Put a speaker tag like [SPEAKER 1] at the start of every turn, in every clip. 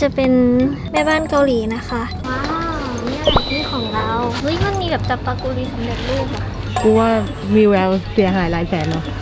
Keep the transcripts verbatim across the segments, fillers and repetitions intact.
[SPEAKER 1] จะเป็นแม่บ้านเกาหลีนะคะว้าวนี่อะไรที่ของเราเฮ้ยมันมีแบบจับปากุรีสำเร็จรูปอะ
[SPEAKER 2] กูว่ามีแววเสียหายหลายแสนเนาะ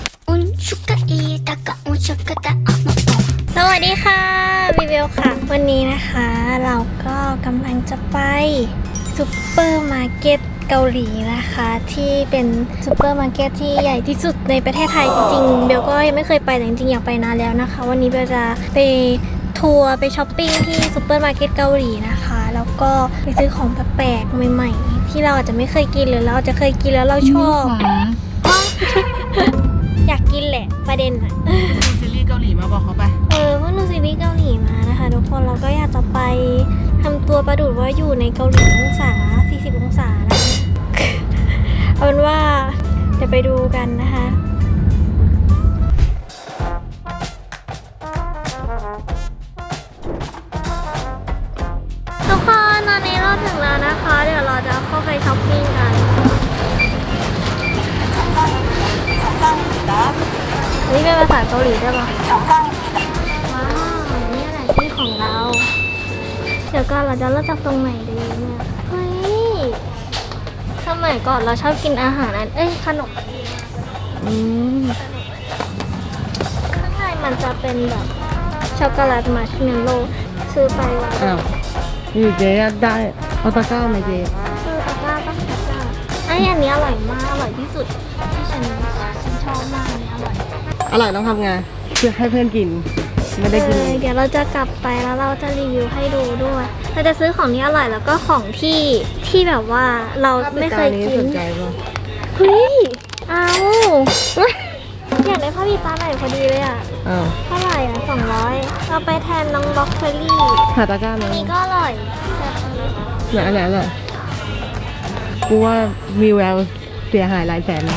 [SPEAKER 1] สวัสดีค่ะวิเวลค่ะวันนี้นะคะเราก็กำลังจะไปซุปเปอร์มาร์เก็ตเกาหลีนะคะที่เป็นซุปเปอร์มาร์เก็ตที่ใหญ่ที่สุดในประเทศไทยจริงๆเบลก็ยังไม่เคยไปแต่จริงๆอยากไปนานแล้วนะคะวันนี้เบลจะไปทัวร์ไปช้อปปิ้งที่ซุปเปอร์มาร์เก็ตเกาหลีนะคะแล้วก็ไปซื้อของแปลกๆใหม่ๆที่เราอาจจะไม่เคยกินหรือเราจะเคยกินแล้วเราชอบ อยากกินแหละประเด็นอะ
[SPEAKER 2] ซีรีส์เกาหลีมาบอกเขาไป
[SPEAKER 1] เออเมื่อดูซีรีส์เกาหลีมานะคะทุกคนเราก็อยากจะไปทำตัวประดุจว่าอยู่ในเกาหลีองศาสี่สิบองศานะ เอาเป็นว่าเดี๋ยวไปดูกันนะคะทุกคนตอนนี้เราถึงแล้วนะคะเดี๋ยวเราจะเข้าไปช้อปปิ้งกันนี่เป็นภาษาเกาหลีได้ปะว้าวนี่อะไรที่ของเราเดี๋ยวก็เราจะเริ่มจากตรงไหนดีเนี่ยเฮ้ยสมัยก่อนเราชอบกินอาหารอันเอ้ยขนม
[SPEAKER 2] อืม
[SPEAKER 1] ข้างในมันจะเป็นแบบช็อกโกแลตมัชเมลโล่ซื้อไปไว้
[SPEAKER 2] อ้าวนี่เจ๊ได้เอาตะกร้าไหมเจ๊
[SPEAKER 1] ซื้อตะกร้าต้องตะกร้าไอ้อันนี้อร่อยมากอร่อยที่สุดที่ฉันฉันชอบมากเลยอร่อย
[SPEAKER 2] อร่อยต้องทำไงเพื่อให้เพื่อนกินไม่ได้กิน
[SPEAKER 1] เดี๋ยวเราจะกลับไปแล้วเราจะรีวิวให้ดูด้วยเราจะซื้อของนี้อร่อยแล้วก็ของที่ที่แบบว่าเราไม่เคยกินเฮ้ยเอาอยากได้ผ้าพีตาไหนพอดีเลยอ่ะเท่าไหร่อ่ะสองร้อยเอาไปแทนน้องบล็อกเฟอรี่
[SPEAKER 2] หาตะกร้าไหม
[SPEAKER 1] นี่ก็อร่อย
[SPEAKER 2] ไหนไหนไหนกูว่ามีแววเสียหายหลายแสน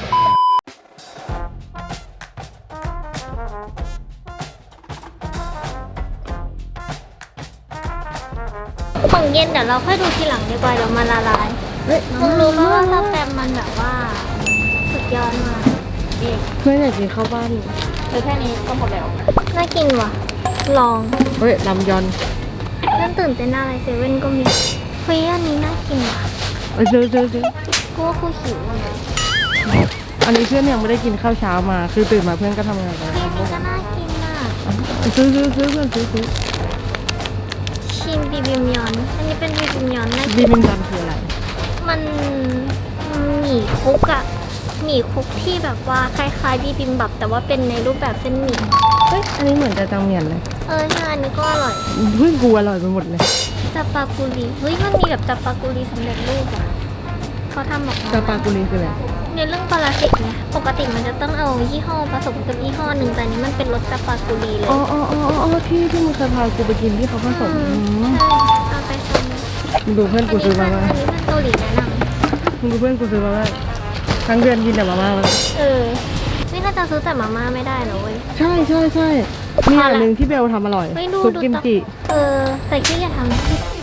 [SPEAKER 1] ของเย็นเดี๋ยวเราค่อยดูทีหลังดีกว่าเดี๋ยวมันละลายมึงรู้ไหมว่าสแปมมันแบบว่าสุดยอดมาก
[SPEAKER 2] เพื่อนอยากกินข้าวบ้าน
[SPEAKER 1] คือแค่นี้ก็หมดแล้วน่ากินว่ะลอง
[SPEAKER 2] เฮ้ยลำยอน
[SPEAKER 1] เริ่มตื่นเต้นอะไรเซเว่นก็มีเฮ้ยอันนี้น่ากินว่ะ
[SPEAKER 2] เออซื้อซื้อซื้อ
[SPEAKER 1] กูว่ากูหิวเลย
[SPEAKER 2] อันนี้เพื่อนยังไม่ได้กินข้าวเช้ามาคือตื่นมาเพื่อนก็ทำงานไป
[SPEAKER 1] เฮ้ยนี่ก็น่ากินอ่ะ
[SPEAKER 2] ซื้อซื้อซื้อเพื่อนซื้อซื้อ
[SPEAKER 1] ชิมบิบิมยอนอันนี้เป็นบิบิมยอนนะ
[SPEAKER 2] บิบิมยอนคืออะไร
[SPEAKER 1] มันหมี่คุกอะหมี่คุกที่แบบว่าคล้ายๆบิบิมบับแต่ว่าเป็นในรูปแบบเส้นหมี่
[SPEAKER 2] เฮ้ยอันนี้เหมือนจะจังเมียนเลย
[SPEAKER 1] เออใช่อันนี้ก็อร่อย
[SPEAKER 2] เฮ้ยกูอร่อยไปหมดเลย
[SPEAKER 1] จับปากุรีเฮ้ยมันมีแบบจับปากุรีสำเร็จรูปอะเขาทำออกมา
[SPEAKER 2] จับปากุรีคืออะไร
[SPEAKER 1] ในเรื่องปราสิตนะปกติมันจะต้องเอายี่ห้อผสมกับยี่ห้อหนึ่งแต่นี้มันเป็นรสจับปากุรีเลย
[SPEAKER 2] อ๋ออ๋ออ๋อที่ที่มึงเคยพากูไปกินที่เขาผสม
[SPEAKER 1] ใช่เอาไปท
[SPEAKER 2] ำดูเพื่อนกูซื้อมาบ้าง
[SPEAKER 1] อันนี้เพื่อนเกาหลีแนะนำ
[SPEAKER 2] มึงดูเพื่อนกูซื้อมาบ้างทั้งเดือนกินแต่มาม่าแล้ว
[SPEAKER 1] เออไม่น่าจะซื้อแต่มาม่าไม่ได้นะเว้ย
[SPEAKER 2] ใช่ใช่ใช่มีอย่างหนึ่งที่เบลทำอร่อยซุปกิมจิ
[SPEAKER 1] เออแต่ที่จะทำ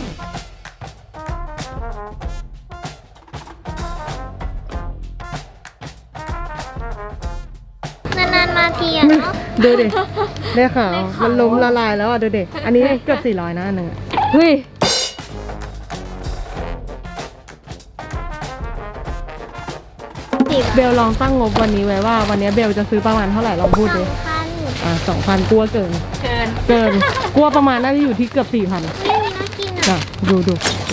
[SPEAKER 1] นานๆมาทีอ่ะเนาะ
[SPEAKER 2] ดูดิได้ข่าวมันล้มละลายแล้วอ่ะดูดิอันนี้เกือบสี่ร้อยนะอันหนึ่งเฮ้ยเบลลองตั้งงบวันนี้ไว้ว่าวันนี้เบลจะซื้อประมาณเท่าไหร่ลองพูดดิอ่าสองพันกลัวเกิน
[SPEAKER 1] เกิน
[SPEAKER 2] เกินกลัวประมาณน่าจะอยู่ที่เกือบสี่พัน
[SPEAKER 1] ไม่มีน่ากินอ่ะ
[SPEAKER 2] ดูดูดู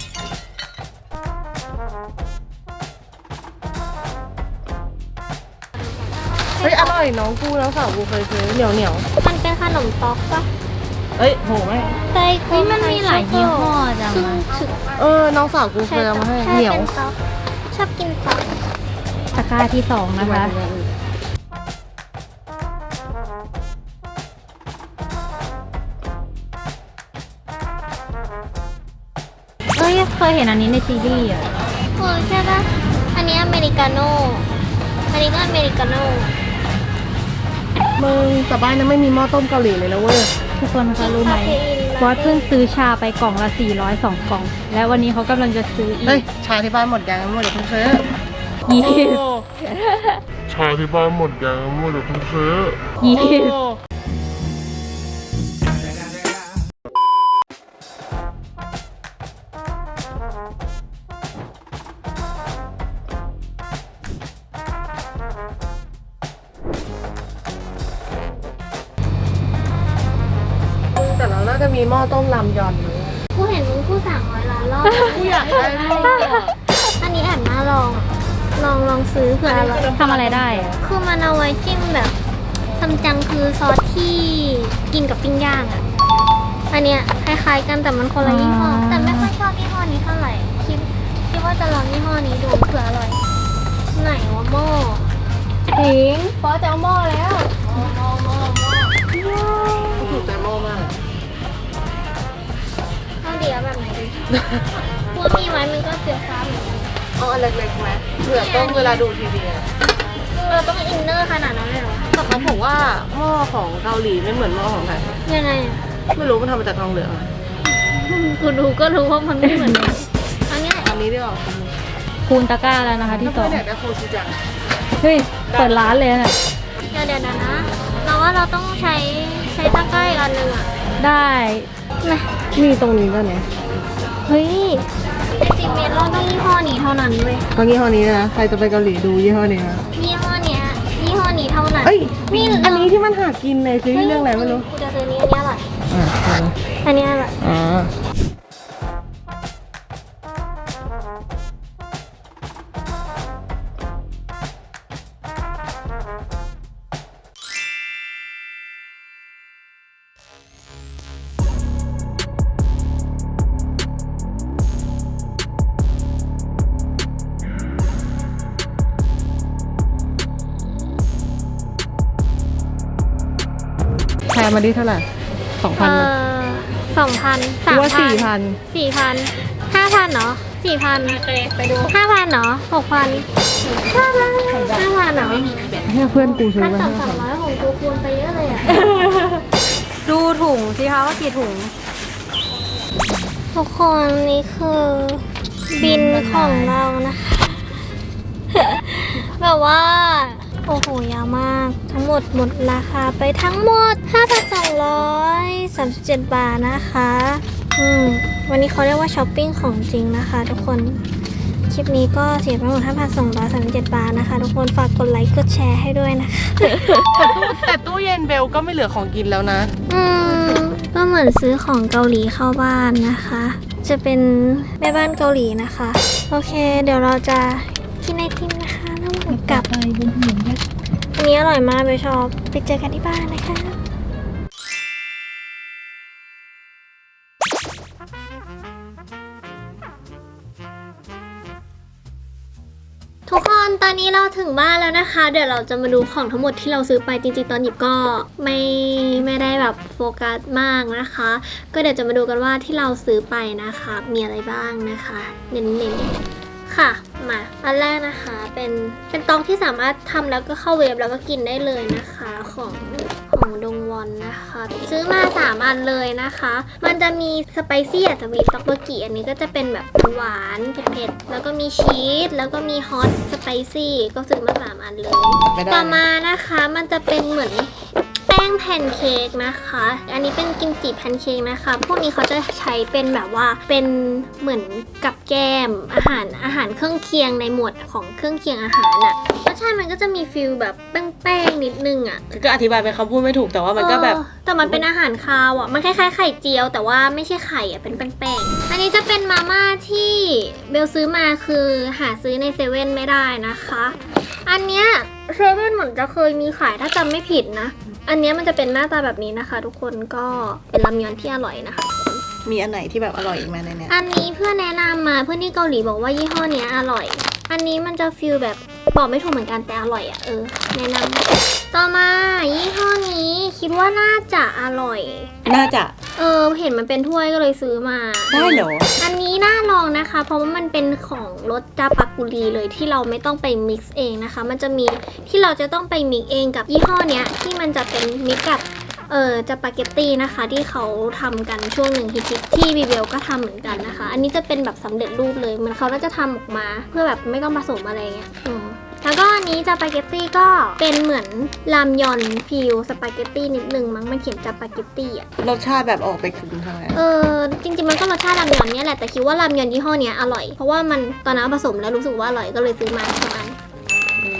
[SPEAKER 2] เฮ้ยอร่อยน้องกูแล้วสาวกูเคยซื้อเหนียวเหนียว
[SPEAKER 1] มันเป็นขนมต๊อกปะ
[SPEAKER 2] เอ้ยโหไม่
[SPEAKER 1] ใช่คุมันมีหลายยี่ห้อจัง
[SPEAKER 2] เออน้องสาวกูเคยเอามาให้เหนียว
[SPEAKER 1] ชอบกินต๊อก
[SPEAKER 3] ตะกร้าที่สองนะคะเอ้ยเคยเห็นอันนี้ในซีรีส์อ่ะ
[SPEAKER 1] เออใช่ปะอันนี้อเมริกาโน่อันนี้ก็อเมริกาโน่
[SPEAKER 2] มึงแต่บ้านนั้นไม่มีหม้อต้มเกาหลีเลยนะเว้ย
[SPEAKER 3] ทุกคนคะรู้ไหมว่าเพิ่งซื้อชาไปกล่องละสี่ร้อยสองกล่องและวันนี้เขากำลังจะซื้ออีก
[SPEAKER 2] เฮ้ยชาที่บ้านหมดยังหมดเดี๋ยวเพิ่งซื้อ
[SPEAKER 3] ยี่
[SPEAKER 4] ชาที่บ้านหมดยังหมดเดี๋ยวเพิ่งซื้อ
[SPEAKER 3] ยี่
[SPEAKER 2] น่าจะมีหม้อต้มรามยอนเลย
[SPEAKER 1] กูเห็นมึงกูสั่งไว้ร้านรอบ
[SPEAKER 2] กูอยากได้หม้อ
[SPEAKER 1] อันนี้แอบน่าลองอะลองลองซื้อเผื่ออร่อย
[SPEAKER 3] ทำอะไรได้อะ
[SPEAKER 1] คือมันเอาไว้จิ้มแบบซัมจังคือซอสที่กินกับปิ้งย่างอ่ะ อันเนี้ยคล้ายๆกันแต่มันคนละยี่ห้อ แต่ไม่ค่อยชอบยี่ห้อนี้เท่าไหร่ คิดคิดว่าจะลองยี่ห้อนี้ดูเผื่ออร่อย ไหนวะหม้อ
[SPEAKER 3] ถิงป๊อจะเอาหม้อแล้ว
[SPEAKER 2] ถูกใจหม้อมาก
[SPEAKER 1] เอาเดียวแบบไหนดี พวกมีไว้มันก็เสียฟ้าเหมือนกัน
[SPEAKER 2] เอาอันเล็กๆไหมเผื่อต้มเวลาดูทีวีอะ
[SPEAKER 1] เราต้องอินเนอร์ขนาดนั้นเลยเหรอ
[SPEAKER 2] แต่เขาบอกว่าหม้อของเกาหลีไม่เหมือนหม้อของไทย
[SPEAKER 1] ยังไงอะ
[SPEAKER 2] ไม่รู้มันทำมาจากทองเหลืองอะ
[SPEAKER 1] กูดูก็รู้ว่ามันไม่เหมือนกันอันเนี้ย
[SPEAKER 2] อันนี้ดีกว่า
[SPEAKER 3] คูณตะกร้าแล้วนะคะที่สอง
[SPEAKER 2] ถ้าเพื่อนอยากได้โคชูจัง
[SPEAKER 3] เฮ้ย เปิดร้านเลยนะ
[SPEAKER 1] เดี๋ยวเดี๋ยวนะ เราว่าเราต้องใช้ใช้ตะกร้าอีกอันหนึ่งอะ
[SPEAKER 3] ได้
[SPEAKER 1] นะ
[SPEAKER 2] มีตรงนี้ด้วยนะ
[SPEAKER 1] เฮ้ยจริงๆเมลเราต้องยี่ห้อนี้เท่านั้นเว้ย
[SPEAKER 2] ก็ยี่ห้อนี้นะใครจะไปเกาหลีดูยี่ห้อนี้นะ
[SPEAKER 1] ยี่ห้อเนี้ยยี่ห้อนี้เท่านั้น
[SPEAKER 2] เอ้ย
[SPEAKER 1] นี่
[SPEAKER 2] อันนี้ที่มันหากินในซีรีส์เรื่องอะไรไม่รู้
[SPEAKER 1] กูจะซื้อนี้อันนี้อร่อย
[SPEAKER 2] อ่าใช่
[SPEAKER 1] อันนี้อร่อย
[SPEAKER 2] อ่าแพงมาดิเท่าไหร่สองพัน
[SPEAKER 1] เออสองพันสาม
[SPEAKER 2] ว่า
[SPEAKER 1] พั
[SPEAKER 2] สี่
[SPEAKER 1] น
[SPEAKER 2] พัน
[SPEAKER 1] สี่พันห้าพันเนาะสี่พันไปดูห้าพันเนาะหกพันห้าพันห้าพันเนาะ
[SPEAKER 2] ให้เพื่อนกูซื้อ
[SPEAKER 1] ขั้น
[SPEAKER 2] มาให้
[SPEAKER 1] ต่ำสามร้อยของกูคูณไปเยอะเลยอ่ะ
[SPEAKER 3] ดูถุงสิคะว่ากี่ถุง
[SPEAKER 1] ทุกคนนี่คือบินของเรานะคะ แบบว่า โอ้โหยาวมาก ทั้งหมดหมดราคาไปทั้งหมด ห้าพันสองร้อยสามสิบเจ็ด บาทนะคะ อืม วันนี้เขาเรียกว่าช้อปปิ้งของจริงนะคะทุกคน คลิปนี้ก็เสียไปหมด ห้าพันสองร้อยสามสิบเจ็ด บาทนะคะ ทุกคนฝากกดไลค์กดแชร์ให้ด้วยนะคะ
[SPEAKER 2] แต่ตู้เย็นเบลก็ไม่เหลือของกินแล้วนะ
[SPEAKER 1] อืมก็เหมือนซื้อของเกาหลีเข้าบ้านนะคะ จะเป็นแม่บ้านเกาหลีนะคะ โอเค เดี๋ยวเราจะกินไอติมนะคะแล้วกลับอันนี้อร่อยมากไปชอบไปเจอกันที่บ้านนะคะ ทุกคนตอนนี้เราถึงบ้านแล้วนะคะ เดี๋ยวเราจะมาดูของทั้งหมดที่เราซื้อไปจริงๆตอนหยิบก็ไม่ไม่ได้แบบโฟกัสมากนะคะ ก็เดี๋ยวจะมาดูกันว่าที่เราซื้อไปนะคะมีอะไรบ้างนะคะ เน้นๆค่ะมาอันแรกนะคะเป็นเป็นตองที่สามารถทำแล้วก็เข้าเวฟแล้วก็กินได้เลยนะคะของของดงวอนนะคะ ซื้อมาสามอันเลยนะคะ มันจะมีสไปซี่อ่ะจะมีต็อกโบกิอันนี้ก็จะเป็นแบบหวานเผ็ดๆแล้วก็มีชีสแล้วก็มีฮอตสไปซี่ก็ซื้อมาสามอันเลย
[SPEAKER 2] ไม่ได้
[SPEAKER 1] ต่อมานะคะมันจะเป็นเหมือนแป้งแพนเค้กนะคะ อันนี้เป็นกิมจิแพนเค้กนะคะ พวกนี้เขาจะใช้เป็นแบบว่าเป็นเหมือนกับแก้มอาหารอาหารเครื่องเคียงในหมวดของเครื่องเคียงอาหารอะรสชาติมันก็จะมีฟิลแบบแป้งๆนิดนึงอะ
[SPEAKER 2] ก็อธิบายเป็นคำพูดไม่ถูกแต่ว่ามันก็แบบ
[SPEAKER 1] เออแต่มันเป็นอาหารคาวอ่ะ มันคล้ายๆไข่เจียว แต่ว่าไม่ใช่ไข่อ่ะ เป็นแป้งๆ อันนี้จะเป็นมาม่าที่เบลซื้อมาคือหาซื้อในเซเว่นไม่ได้นะคะ อันเนี้ยเซเว่นเหมือนจะเคยมีขายถ้าจำไม่ผิดนะ อันเนี้ยมันจะเป็นหน้าตาแบบนี้นะคะ ทุกคนก็เป็นรามยอนที่อร่อยนะคะ
[SPEAKER 2] มีอันไหนที่แบบอร่อยอีกไหมในเนี้ย
[SPEAKER 1] อันนี้เพื่อนแนะนำมาเพื่อนที่เกาหลีบอกว่ายี่ห้อเนี้ยอร่อย อันนี้มันจะฟิลแบบบอกไม่ถูกเหมือนกันแต่อร่อยอ่ะเออแนะนำต่อมายี่ห้อนี้คิดว่าน่าจะอร่อย
[SPEAKER 2] น่าจะ
[SPEAKER 1] เออเห็นมันเป็นถ้วยก็เลยซื้อมา
[SPEAKER 2] ได้เหรอ
[SPEAKER 1] อันนี้น่าลองนะคะ เพราะว่ามันเป็นของรสจาปากุรีเลยที่เราไม่ต้องไปมิกซ์เองนะคะ มันจะมีที่เราจะต้องไปมิกซ์เองกับยี่ห้อเนี้ยที่มันจะเป็นมิกซ์กับเออจาปาเกตตี้นะคะ ที่เขาทำกันช่วงหนึ่งฮิตๆที่บีเบลก็ทำเหมือนกันนะคะ อันนี้จะเป็นแบบสำเร็จรูปเลยเหมันเขาน่าจะทำออกมา เพื่อแบบไม่ต้องผสมอะไรเงี้ยอืมแล้วก็อันนี้จาปาเกตตี้ก็เป็นเหมือนรามยอนฟิลสปาเกตตี้นิดนึงมั้งมันเขียนจาปาเกตตี้อ่ะ
[SPEAKER 2] รสชาติแบบออกไปถึงทางไหน
[SPEAKER 1] เออจริงๆมันก็รสชาติรามยอนเนี่ยแหละแต่คิดว่ารามยอนยี่ห้อเนี้ยอร่อยเพราะว่ามันตอนนั้นผสมแล้วรู้สึกว่าอร่อยก็เลยซื้อมาประมาณ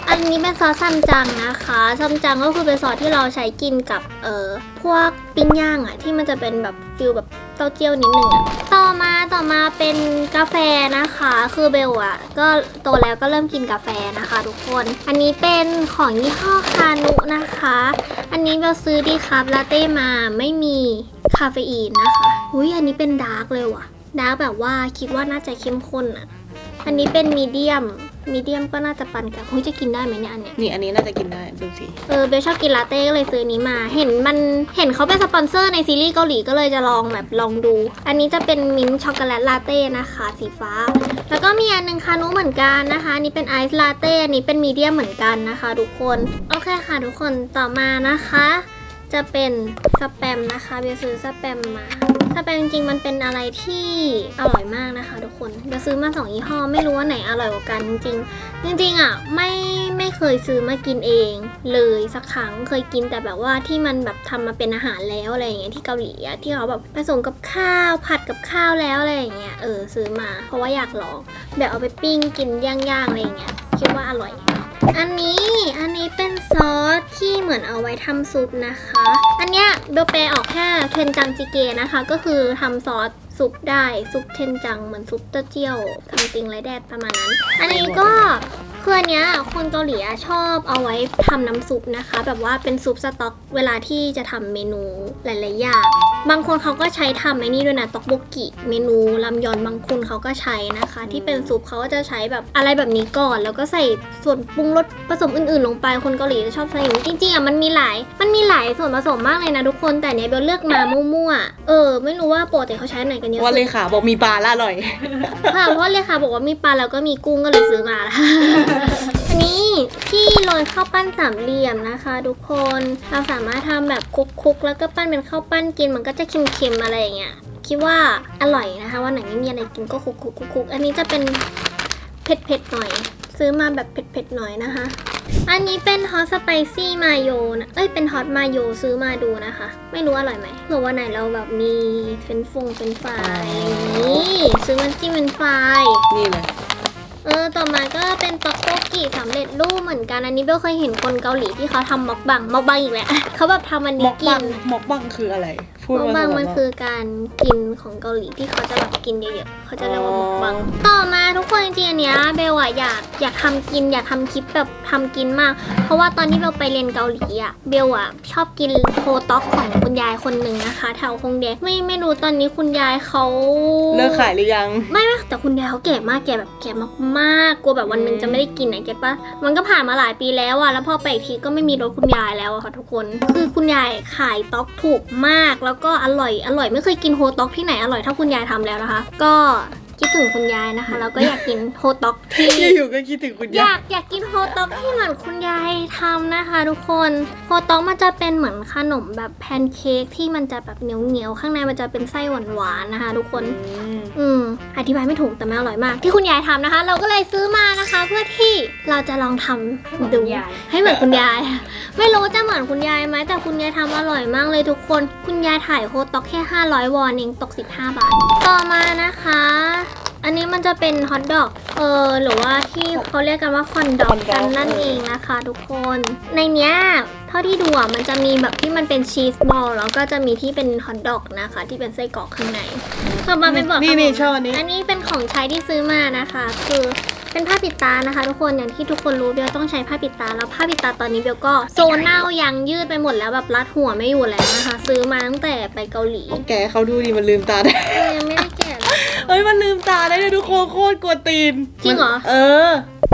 [SPEAKER 1] อันนี้เป็นซอสซัมจังนะคะซัมจังก็คือเป็นซอสที่เราใช้กินกับเอ่อพวกปิ้งย่างอะที่มันจะเป็นแบบฟิลแบบเต้าเจี้ยวนิดนึงอะต่อมาต่อมาเป็นกาแฟนะคะคือเบลอะก็โตแล้วก็เริ่มกินกาแฟนะคะทุกคนอันนี้เป็นของยี่ห้อคานุนะคะอันนี้เบลซื้อดีครับลาเต้มาไม่มีคาเฟอีนนะคะอุ้ยอันนี้เป็นดาร์กเลยว่ะดาร์กแบบว่าคิดว่าน่าจะเข้มข้นอะอันนี้เป็นมีเดียมมีเดียมก็น่าจะปันกับเฮ้ยจะกินได้ไหมเนี่ยอันเนี้ย
[SPEAKER 2] นี่อันนี้น่าจะกินได้ดูสิ
[SPEAKER 1] เออเบลชอบกินลาเต้ก็เลยซื้อนี้มา เห็นมันเห็นเขาเป็นสปอนเซอร์ในซีรีส์เกาหลีก็เลยจะลองแบบลองดู อันนี้จะเป็นมิ้นท์ช็อกโกแลตลาเต้นะคะสีฟ้า แล้วก็มีอันนึงคานุเหมือนกันนะคะอันนี้เป็นไอซ์ลาเต้อันนี้เป็นมีเดียมเหมือนกันนะคะทุกคนโอเคค่ะทุกคนต่อมานะคะ จะเป็นสแปมนะคะเบลซื้อสแปมมาสแปมจริงๆมันเป็นอะไรที่อร่อยมากนะคะทุกคนเบลซื้อมาสองยี่ห้อไม่รู้ว่าไหนอร่อยกว่ากันจริงๆจริงๆอ่ะไม่ไม่เคยซื้อมากินเองเลยสักครั้งเคยกินแต่แบบว่าที่มันแบบทำมาเป็นอาหารแล้วอะไรอย่างเงี้ยที่เกาหลีอ่ะที่เขาแบบผสมกับข้าวผัดกับข้าวแล้วอะไรอย่างเงี้ยเออซื้อมาเพราะว่าอยากลองแบบเอาไปปิ้งกินย่างๆอะไรอย่างเงี้ยคิดว่าอร่อยอันนี้อันนี้เป็นซอสที่เหมือนเอาไว้ทำซุปนะคะอันเนี้ยเบลแปลออกแค่เทนจังจิเกนะคะก็คือทำซอสซุปได้ซุปเทนจังเหมือนซุปเต้าเจี้ยวทำจริงไรแดดประมาณนั้นอันนี้ก็คืออันเนี้ยคนเกาหลีชอบเอาไว้ทำน้ำซุปนะคะแบบว่าเป็นซุปสต๊อกเวลาที่จะทำเมนูหลายๆอย่างบางคนเขาก็ใช้ทำไอ้นี่ด้วยนะต๊อกโบกิเมนูลำยอนบางคนเขาก็ใช้นะคะที่เป็นซุปเขาก็จะใช้แบบอะไรแบบนี้ก่อนแล้วก็ใส่ส่วนปรุงรสผสมอื่นๆลงไปคนเกาหลีจะชอบใส่อย่างนี้จริงๆอ่ะมันมีหลายมันมีหลายส่วนผสมมากเลยนะทุกคนแต่เนี้ยเบลเลือกมามั่วๆเออไม่รู้ว่าปกติเขาใช้ไหนกันเยอะ
[SPEAKER 2] ว่า
[SPEAKER 1] สุ
[SPEAKER 2] เล
[SPEAKER 1] ด
[SPEAKER 2] ขาบอกมีปลาละอร่อย
[SPEAKER 1] ค่ะเพราะเลยค่ะบอกว่ามีปลาแล้วก็มีกุ้งก็เลยซื้อมาละ อันนี้ที่โรยข้าวปั้นสามเหลี่ยมนะคะทุกคนเราสามารถทำแบบคลุกๆแล้วก็ปั้นเป็นข้าวปั้นกินมันก็จะเค็มๆอะไรอย่างเงี้ยคิดว่าอร่อยนะคะวันไหนไม่มีอะไรกินก็คลุกๆๆๆอันนี้จะเป็นเผ็ดๆหน่อยซื้อมาแบบเผ็ดๆหน่อยนะคะอันนี้เป็นฮอตสไปซี่มาโยนะเอ้ยเป็นฮอตมาโยซื้อมาดูนะคะไม่รู้อร่อยไหมเผื่อวันไหนเราแบบมีเฟรนช์ฟงเฟรนช์ฟรายอะไรอย่างนี้ซื้อมันจิ้มเป็นฟราย
[SPEAKER 2] นี่เลย
[SPEAKER 1] เออต่อมาก็เป็นต็อกโกกิสำเร็จรูปเหมือนกันอันนี้เบลเคยเห็นคนเกาหลีที่เขาทำม็อกบังม็อกบังอีกแล้ว เขาแบบทำอัน
[SPEAKER 2] ม
[SPEAKER 1] นี้
[SPEAKER 2] อก
[SPEAKER 1] กิ
[SPEAKER 2] บั
[SPEAKER 1] น
[SPEAKER 2] งมอกบังคืออะไรพูด
[SPEAKER 1] ม็อก
[SPEAKER 2] มา
[SPEAKER 1] บัง
[SPEAKER 2] ส
[SPEAKER 1] มัน
[SPEAKER 2] ๆ
[SPEAKER 1] คือการกินของเกาหลีที่เขาจะแบบกินเยอะๆเขาจะเรียกว่าม็อกบังต่อมาทุกคนจริงๆอันเนี้ยเบลอะอยากอยากทำกินอยากทำคลิปแบบทำกินมาก เพราะว่าตอนที่เบลไปเรียนเกาหลีอะเบลอะชอบกินโฮต็อกของคุณยายคนหนึ่งนะคะแถวคงเดะไม่ไม่รู้ตอนนี้คุณยายเขา
[SPEAKER 2] เลิกขายหรือยัง
[SPEAKER 1] ไม่ไม่แต่คุณยายเขาแก่มากแก่แบบแก่มากๆกลัวแบบวันหนึ่งจะไม่ได้กินนะเก็ตปะมันก็ผ่านมาหลายปีแล้วอะแล้วพอไปอีกทีก็ไม่มีรถคุณยายแล้วอะค่ะทุกคนคือคุณยายขายต๊อกถูกมากแล้วก็อร่อยอร่อยไม่เคยกินโฮต๊อกที่ไหนอร่อยเท่าคุณยายทำแล้วนะคะ ก็คิดถึงคุณยายนะคะแล้วก็อยากกินโฮต๊อกที่
[SPEAKER 2] อยู่ๆก็คิดถึงคุณ
[SPEAKER 1] อยาย
[SPEAKER 2] าย
[SPEAKER 1] กอยากกินโฮต็อกที่เหมือนคุณยายทำนะคะทุกคนโฮต็อกมันจะเป็นเหมือนขนมแบบแพนเค้กที่มันจะแบบเหนียวเหนียวๆข้างในมันจะเป็นไส้หวานๆนะคะทุกคน
[SPEAKER 2] อืม
[SPEAKER 1] อืมอธิบายไม่ถูกแต่มันอร่อยมากที่คุณยายทำนะคะ เราก็เลยซื้อมานะคะ เพื่อที่เราจะลองทำดูให้เหมือนคุณยาย ไม่รู้จะเหมือนคุณยายไหมแต่คุณยายทำอร่อยมากเลยทุกคนคุณยายถ่ายโฮต็อกแค่ห้าร้อยวอนเองตกสิบห้าบาทต่อมานะคะ อันนี้มันจะเป็นฮอทดอกเออหรือว่าที่เขาเรียกกันว่าคอนดอกกันนั่นเองนะคะทุกคนในเนี้ยเท่าที่ดูอ่ะมันจะมีแบบที่มันเป็นชีสบอลแล้วก็จะมีที่เป็นฮอทดอกนะคะที่เป็นไส้กรอกข้างในต่อมาเป็นบอก
[SPEAKER 2] นี่นี่ชอบอันนี้
[SPEAKER 1] อันนี้เป็นของใช้ที่ซื้อมานะคะ คือเป็นผ้าปิดตานะคะ ทุกคนอย่างที่ทุกคนรู้เบลต้องใช้ผ้าปิดตาแล้วผ้าปิดตาตอนนี้เบลก็โซเน่ายังยืดไปหมดแล้วแบบรัดหัวไม่อยู่แล้วนะคะ ซื้อมาตั้งแต่ไปเกาหลี
[SPEAKER 2] แกเขาดูดิมันลืมตาได้
[SPEAKER 1] เออยังไม่ได้แกะเลย
[SPEAKER 2] เฮ้ยมันลืมตาได้เลยทุกคนโคตรกวนตีน
[SPEAKER 1] จริงเหรอ
[SPEAKER 2] เออ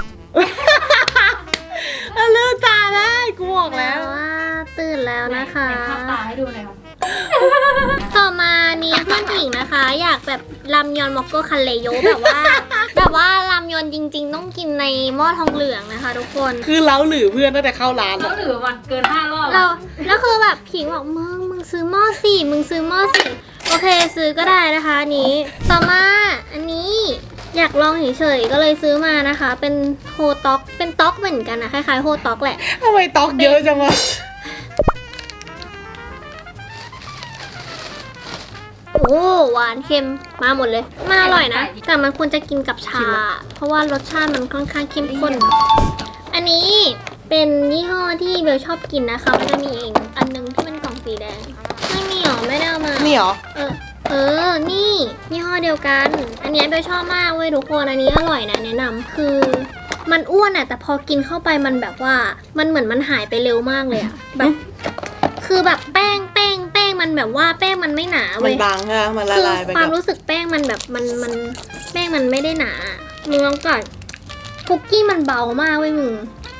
[SPEAKER 2] มันลืมตาได้กูบอกแล้ว
[SPEAKER 1] ว่าตื่นแล้วนะคะ
[SPEAKER 3] ภาพตาให้ดูหน่อยค่ะ
[SPEAKER 1] ต่อมานี้เพื่อนหญิงนะคะ อยากแบบรามยอนมอกโกคันเลโยแบบว่า แบบว่ารามยอนจริง ๆ ต้องกินในหม้อทองเหลืองนะคะ ทุกคน
[SPEAKER 2] คือเล้าหรือเพื่อนตั้งแต่เข้าร้าน
[SPEAKER 3] ต้อ
[SPEAKER 2] อะ
[SPEAKER 3] งเหลือวันเกินห้ารอบ
[SPEAKER 1] เราแล้วคือแบบผิงบอกมึงมึงซื้อหม้อสี่มึงซื้อหม้อสี่โอเคซื้อก็ได้นะคะอันนี้ ต่อมาอันนี้อยากลองเฉยๆก็เลยซื้อมานะคะ เป็นโฮต็อกเป็นต็อกเหมือนกันนะคล้ายๆโฮต็อกแหละ
[SPEAKER 2] ทำไมตอกเยอะจังวะ
[SPEAKER 1] โอ้หวานเค็มมาหมดเลยมาอร่อยนะแต่มันควรจะกินกับชา เพราะว่ารสชาติมันค่อนข้างเข้มข้นอันนี้เป็นยี่ห้อที่เบลชอบกินนะคะมันจะมีอีกอันนึงที่เป็นกล่องสีแดงไม่มีหรอไม่ได้เอามา
[SPEAKER 2] นี่เหรอ
[SPEAKER 1] เออเออนี่ยี่ห้อเดียวกัน อันนี้เบลชอบมากเว้ยทุกคนอันนี้อร่อยนะแนะนำคือมันอ้วนอะแต่พอกินเข้าไปมันแบบว่ามันเหมือนมันหายไปเร็วมากเลยอะแบบคือแบบแป้งแป้งแป้งมันแบบว่าแป้งมันไม่หนา
[SPEAKER 2] มั
[SPEAKER 1] เว้
[SPEAKER 2] น
[SPEAKER 1] ย
[SPEAKER 2] บางใช่ไหมมันละ
[SPEAKER 1] คือ
[SPEAKER 2] ลายไป
[SPEAKER 1] ความ
[SPEAKER 2] กับ
[SPEAKER 1] รู้สึกแป้งมันแบบมันมันแป้งมันไม่ได้หนามึงลองก่อนคุกกี้มันเบามากเว้ยมึง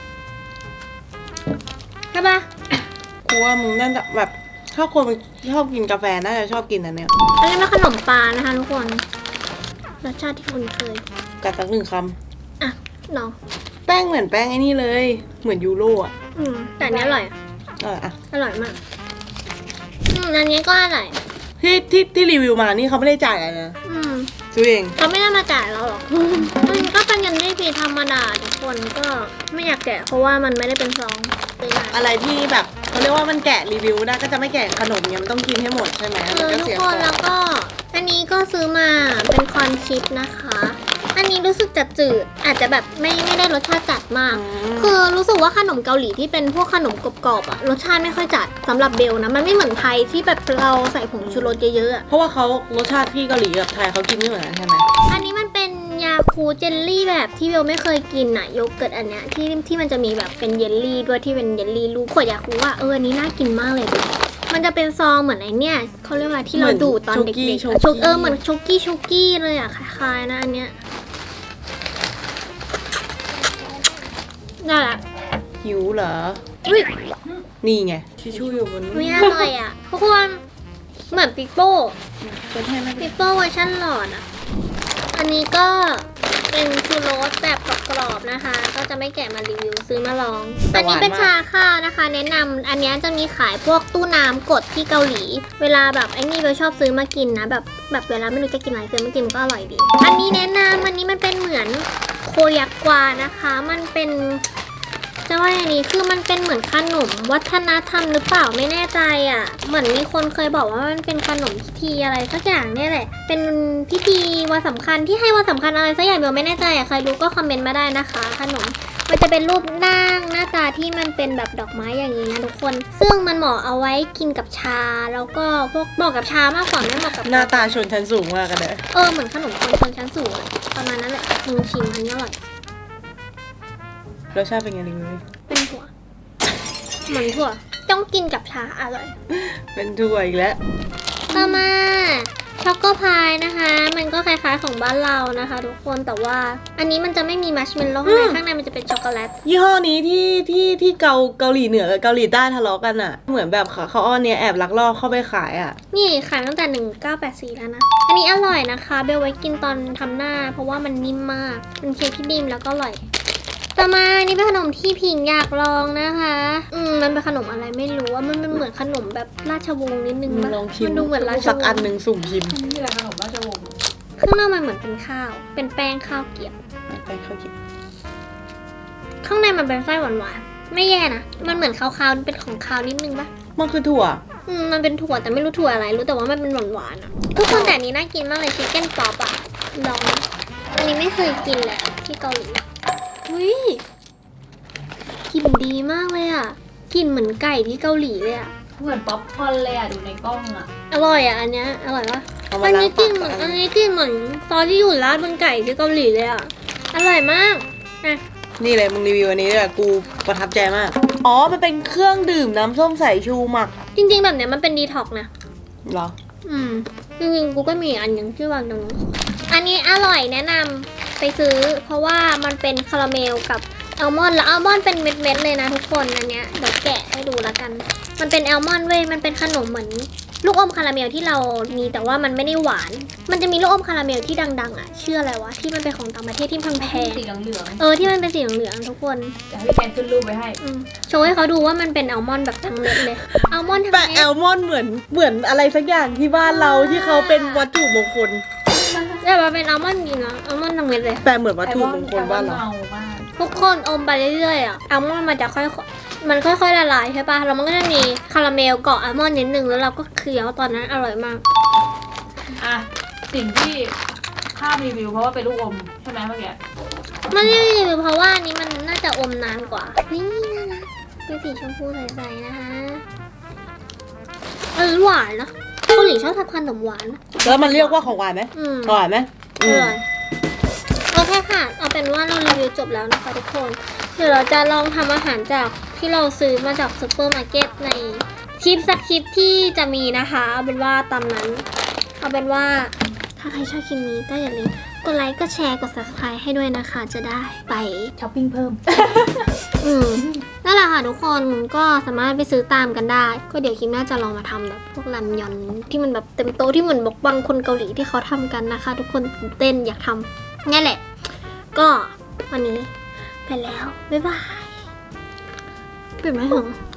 [SPEAKER 1] ใช่ปะ
[SPEAKER 2] กูว่ามึงน่าจะแบบถ้าคนชอบกินกาแฟน่าจะชอบกินอันเนี้ย
[SPEAKER 1] อันนี้เป็นขนมปลานะคะทุกคนรสชาติที่คุณเคย
[SPEAKER 2] กัดสักหนึ่งค
[SPEAKER 1] อ่ะลอง
[SPEAKER 2] ำแป้งเหมือนแป้งไอ้นี่เลย เหมือนยูโรอ่ะ
[SPEAKER 1] อืมแต่อันนี้อร่อย
[SPEAKER 2] เอออ่ะ
[SPEAKER 1] อร่อยมากอืมอันนี้ก็อร่อย
[SPEAKER 2] ที่ที่ที่รีวิวมานี่เขาไม่ได้จ่ายอะไรนะ
[SPEAKER 1] อืม
[SPEAKER 2] ซื้อเอง
[SPEAKER 1] เขาไม่ได้มาจ่ายเราหรอกมันก็เป็นยันได้ฟรีธรรมดาทุกคนก็ไม่อยากแกะเพราะว่ามันไม่ได้เป็นซองซื้อมา
[SPEAKER 2] อะไรที่แบบเขาเรียกว่ามันแกะรีวิวได้ก็จะไม่แกะขนมเนี่ยมันต้องกินให้หมดใช่ไหม
[SPEAKER 1] เอ
[SPEAKER 2] มัน
[SPEAKER 1] อ
[SPEAKER 2] ก็
[SPEAKER 1] ทุก
[SPEAKER 2] เสีย
[SPEAKER 1] ค
[SPEAKER 2] ขอน ง
[SPEAKER 1] แล้วก็ อันนี้ก็ซื้อมาเป็นคอนชิปนะคะ อันนี้รู้สึกจะจืดอาจจะแบบไม่ไม่ได้รสชาติจัดมาก คือรู้สึกว่าขนมเกาหลีที่เป็นพวกขนมกรอบๆอะรสชาติไม่ค่อยจัดสำหรับเบลนะมันไม่เหมือนไทยที่แบบเราใส่ผงชูรสเยอะๆอะ
[SPEAKER 2] เพราะว่าเขารสชาติที่เกาหลีกับไทยเขากินไม่เหมือนกันใช่ไหม
[SPEAKER 1] อันนี้มันเป็นยาคูเจลลี่แบบที่เบลไม่เคยกินอะโยเกิร์ตอันเนี้ยที่ที่มันจะมีแบบเป็นเยลลี่ด้วยที่เป็นเยลลี่ลูกขวดยาคูว่าเอออันนี้น่ากินมากเลยดูมันจะเป็นซองเหมือนไอเนี้ยเขาเรียกว่าที่เราดูดตอนเด็กๆอะโชกเออเหมือนโชกี้โชกี้เลยอะคล้ายๆนะอันเนี้ยน่ารัก
[SPEAKER 2] หิวเหรอ
[SPEAKER 1] อุ้ย
[SPEAKER 2] นี่ไงทิชชู่อยู่บน
[SPEAKER 1] ไม่อร่อยอ่ะทุกคนเหมือนปิโป้
[SPEAKER 2] เป็นให้ไหม
[SPEAKER 1] ปิโป้เวอร์ชันหลอดอ่ะ อันนี้ก็เป็นชูโรสแบบกรอบๆนะคะ ก็จะไม่แกะมารีวิวซื้อมาลอง อันนี้เป็นชาข้าวนะคะ แนะนำอันนี้จะมีขายพวกตู้น้ำกดที่เกาหลี เวลาแบบไอ้นี่เราชอบซื้อมากินนะแบบแบบเวลาไม่รู้จะกินอะไรซื้อมากินมันก็อร่อยดี อันนี้แนะนำอันนี้มันเป็นเหมือนโคยักกวานะคะ มันเป็น จะว่าอย่างนี้คือมันเป็นเหมือนขนมวัฒนธรรมหรือเปล่าไม่แน่ใจอ่ะ เหมือนมีคนเคยบอกว่ามันเป็นขนมพิธีอะไรสักอย่างเนี่ยแหละ เป็นพิธีวันสำคัญที่ให้วันสำคัญอะไรสักอย่างเบลไม่แน่ใจอ่ะใครรู้ก็คอมเมนต์มาได้นะคะ ขนมมันจะเป็นรูปร่างหน้าตาที่มันเป็นแบบดอกไม้อย่างนี้นะทุกคน ซึ่งมันเหมาะเอาไว้กินกับชาแล้วก็พวกเหมาะกับชามากกว่าไม่เหมาะกับ
[SPEAKER 2] หน้าตาชนชั้นสูงมากกันเลย
[SPEAKER 1] เออเหมือนขนมคนชนชั้นสูงอะประมาณนั้นแหละมึงชิมอันนี้อร่อย
[SPEAKER 2] รสชาติเป็นไงรีวิวดิ
[SPEAKER 1] เป็นถั่วเหมือนถั่วต้องกินกับชาอร่อย
[SPEAKER 2] เป็นถั่วอีกแล้ว
[SPEAKER 1] ต่อมาช็อกโกพายนะคะ มันก็คล้ายๆของบ้านเรานะคะทุกคนแต่ว่าอันนี้มันจะไม่มีมัชเมลโล่ข้างในข้างในมันจะเป็นช็อกโกแลต
[SPEAKER 2] ยี่ห้อนี้ที่ที่ที่เกาเกาหลีเหนือกับเกาหลีใต้ทะเลาะกันอ่ะ เหมือนแบบเขาเขาเอาเนี่ยแอบลักลอบเข้าไปขายอ่ะ
[SPEAKER 1] นี่ขายตั้งแต่หนึ่งเก้าแปดสี่แล้วนะ อันนี้อร่อยนะคะเบลไว้กินตอนทำหน้า เพราะว่ามันนิ่มมากเป็นเค้กที่นิ่มแล้วก็อร่อยต่อมานี่เป็นขนมที่พิงอยากลองนะคะอืมมันเป็นขนมอะไรไม่รู้ว่ามันเป็นเหมือนขนมแบบราชวงศ์นิดนึง
[SPEAKER 2] มึง
[SPEAKER 1] ปะ
[SPEAKER 2] ลองชิม
[SPEAKER 1] มันดูเหมือนราช
[SPEAKER 2] สัก
[SPEAKER 1] ว
[SPEAKER 2] อั
[SPEAKER 1] ง
[SPEAKER 2] น
[SPEAKER 1] ศ์
[SPEAKER 2] หนึ่งสุ่มชิม
[SPEAKER 1] ข้างนอกมันเหมือนเป็นข้าว เป็นแป้งข้าวเกรี๊ยว
[SPEAKER 2] ไปเข้ากิน
[SPEAKER 1] ข้างในมันเป็นไส้หวานๆ ไม่แย่นะ มันเหมือนคาวๆ เป็นของคาวนิดนึงปะ
[SPEAKER 2] มันคือถั่ว
[SPEAKER 1] อืม มันเป็นถั่วแต่ไม่รู้ถั่วอะไร รู้แต่ว่ามันเป็นหวานๆอ่ะ ทุกคนแต่อันนี้น่ากินมากเลยชิคเก้นป๊อปอ่ะ ลองนะอันนี้ไม่เคยกินเลยอะที่เกาหลีอุ้ยกลิ่นดีมากเลยอ่ะ กลิ่นเหมือนไก่ที่เกาหลีเลยอ่ะ
[SPEAKER 3] เหมือนป๊อปคอร์นเลยอ่ะดูในกล้องอ่ะ
[SPEAKER 1] อร่อยอ่ะ อันเนี้ย อร่อยปะ
[SPEAKER 2] เอามา
[SPEAKER 1] อัน
[SPEAKER 2] ล้าง
[SPEAKER 1] นี้กลิ่น
[SPEAKER 2] ปาก
[SPEAKER 1] เหมือน
[SPEAKER 2] สักอั
[SPEAKER 1] อั
[SPEAKER 2] น
[SPEAKER 1] นนี้กลิ่นเหมือนซอสที่อยู่ราดบนไก่ที่เกาหลีเลยอ่ะ อร่อยมากนะ
[SPEAKER 2] นี่เลยมึงรีวิวอันนี้ด้วยกูประทับใจมาก อ๋อ มันเป็นเครื่องดื่มน้ำส้มสายชูหมัก
[SPEAKER 1] จริงๆแบบเนี้ยมันเป็นดีท็อกซ์นะ
[SPEAKER 2] เหรอ
[SPEAKER 1] อืมจริงๆกูก็มีอันหนึงชื่อวางตรงนู้นอันนี้อร่อยแนะนำไปซื้อ เพราะว่ามันเป็นคาราเมลกับอัลมอนด์แล้วอัลมอนด์เป็นเม็ดๆเลยนะทุกคนอันเนี้ยเดี๋ยวแกะให้ดูแล้วกัน มันเป็นอัลมอนด์เว้ยมันเป็นขนมเหมือนลูกอมคาราเมลที่เรามีแต่ว่ามันไม่ได้หวาน มันจะมีลูกอมคาราเมลที่ดังๆอ่ะชื่ออะไรวะที่มันเป็นของต่างประเทศที่แพง
[SPEAKER 3] สีเหลือง
[SPEAKER 1] ๆเออที่มันเป็นสีเหลืองๆทุกคน
[SPEAKER 3] ๆจะให้พี่แกนขึ้นรูปไว้ให้
[SPEAKER 1] อืมโชว์ให้เขาดูว่ามันเป็นอัลมอนด์แบบทั้งเม็ดเลยอัลมอนด์ทั้ง
[SPEAKER 2] แปะ
[SPEAKER 1] เม็
[SPEAKER 2] แอ
[SPEAKER 1] ด
[SPEAKER 2] ลมอนด์เหมือนเหมือนอะไรสักอย่างที่บ้านเราที่เขาเป็นวัตถุมงคล
[SPEAKER 1] แต่ว่าเป็นอัลมอนด์จริงนะอัลมอนด์ทั้งเม็ดเลย
[SPEAKER 2] แปะเหมือนวัตถุมงคลบ้านเรา
[SPEAKER 3] เมามาก
[SPEAKER 1] ทุกคนอมไปเรื่อยๆอ่ะอัลมอนด์มันจะค่อยๆมันค่อยๆละลายใช่ปะแล้วมันก็จะมีคาราเมลเกาะอัลมอนด์นิดนึงแล้วเราก็เคี้ยวตอนนั้นอร่อยมาก
[SPEAKER 3] อ่ะสิ่งที่ข้ามรีวิวเพราะว่าเป็นลูกอมใช่ไหมเมื่อกี้
[SPEAKER 1] มันรีวิวเพราะว่าอันนี้มันน่าจะอมนานกว่านี่น่ารักเป็นสีชมพูใสๆนะคะเออหวานนะเกาหลีชอบทำขนมหวาน
[SPEAKER 2] แล้วมันเรียกว่าของหวานไหม
[SPEAKER 1] อืม
[SPEAKER 2] อร่อยไหม
[SPEAKER 1] อร่อยโอเคค่ะ เอาเป็นว่าเรารีวิวจบแล้วนะคะทุกคน เดี๋ยวเราจะลองทำอาหารจากที่เราซื้อมาจากซูเปอร์มาร์เก็ตในคลิปสักคลิปที่จะมีนะคะเอาเป็นว่าตามนั้นเอาเป็นว่าถ้าใครชอบคลิปนี้ก็อย่าลืมกดไลค์กดแชร์กด ซับสไครบ์ ให้ด้วยนะคะจะได้ไป
[SPEAKER 3] ช้อปปิ้งเพิ่ม
[SPEAKER 1] อืมนั่นแหละค่ะทุกคนก็สามารถไปซื้อตามกันได้ ก็เดี๋ยวคลิปหน้าจะลองมาทำแบบพวกรามยอนที่มันแบบเต็มโต๊ะที่เหมือนบอกบางคนเกาหลีที่เขาทำกันนะคะ ทุกคนตื่นเต้นอยากทำนี่แหละ ก็วันนี้ไปแล้ว บ๊ายบายปิดไหมถึง